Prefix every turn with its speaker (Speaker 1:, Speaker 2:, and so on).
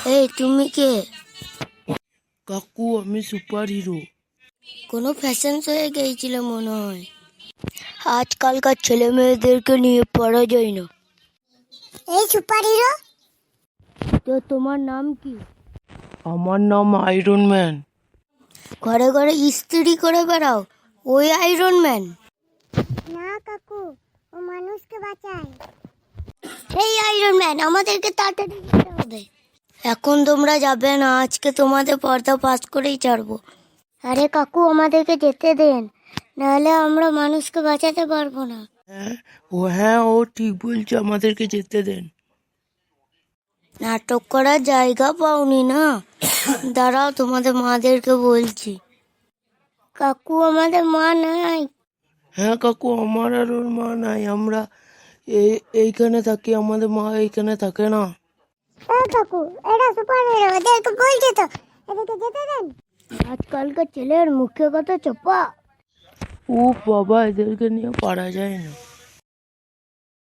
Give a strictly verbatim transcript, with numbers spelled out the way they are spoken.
Speaker 1: এই তুমি কে?
Speaker 2: কাকু আমি সুপার হিরো।
Speaker 1: কোনো ফ্যাশন শোয়ে গিয়েছিল মনে হয়। আজকালকার ছেলে মেয়েদেরকে নিয়ে পড়া যায় না।
Speaker 3: এই সুপার হিরো,
Speaker 1: তো তোমার নাম কি?
Speaker 2: আমার নাম আয়রন ম্যান।
Speaker 1: ঘরে ঘরে ইস্ত্রি করে বেড়াও, ওই আয়রন ম্যান?
Speaker 3: না কাকু, ও মানুষকে বাঁচায়।
Speaker 1: এই আয়রন ম্যান, আমাদেরকে তাড়াতাড়ি যেতে হবে। এখন তোমরা যাবে না, আজকে তোমাদের পর্দা পাস করেই ছাড়বো। আরে কাকু, আমাদেরকে যেতে দেন, নাহলে আমরা মানুষকে বাঁচাতে পারবো না।
Speaker 2: হ্যাঁ ও হ্যাঁ ও ঠিক বলছে, আমাদেরকে যেতে দেন।
Speaker 1: নাটক করার জায়গা পাওনি না? দাঁড়াও, তোমাদের মাদেরকে বলছি। কাকু, আমাদের মা নাই।
Speaker 2: হ্যাঁ কাকু, আমার আর ওর মা নাই, আমরা এই এইখানে থাকি, আমাদের মা এইখানে থাকে না।
Speaker 3: এই কাকু, এরা সুপার হিরো, এদেরকে বলছি তো, এদেরকে যেতে দেন।
Speaker 1: আজকালকার ছেলের মুখে কথা চোপা।
Speaker 2: ও বাবা, এদেরকে নিয়ে পারা যায় না।